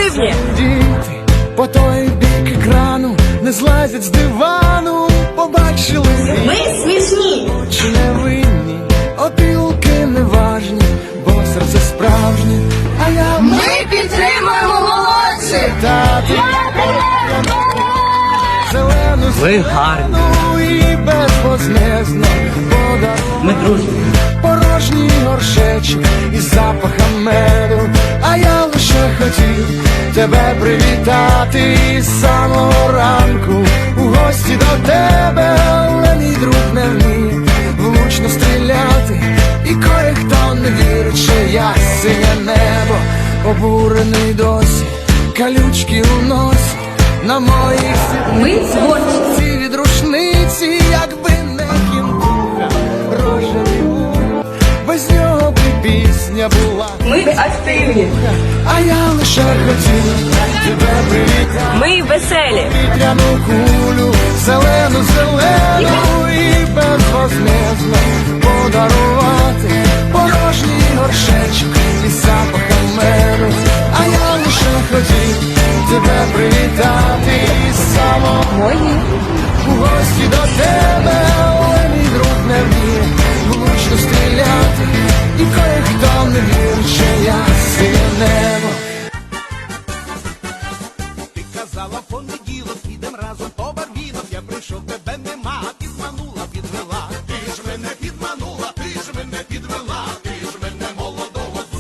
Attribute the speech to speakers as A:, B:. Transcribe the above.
A: активні.
B: Діти по той бік екрану не злазять з дивану, побачили
A: Ми смішні.
B: очі невинні, опілки неважні, бо серце справжнє, а я
A: Ми підтримуємо молодших.
B: тати зелену
C: Ви гарні.
B: зелену і безвознезно подарунок.
C: Ми дружні.
B: Порожній горшечок із запахом меду, а я лише хотів тебе привітати із самого ранку у гості до тебе, але мій друг не вміє влучно стріляти, і кое-хто не вірить, що я синє небо, обурений досі, калючки у носі на моїх
A: Ми творчі.
B: ці від рушниці, якби не кінтуха, рожеві вуха, без нього б і пісня була.
A: Ми активні.
B: А я лише хотів тебе привітати,
A: Ми веселі.
B: вітряну кулю, зелену, зелену і безвознезно подарувати порожній горшечок із запахом меду. А я лише хотів тебе привітати із самого
A: Мої.
B: у гості до тебе,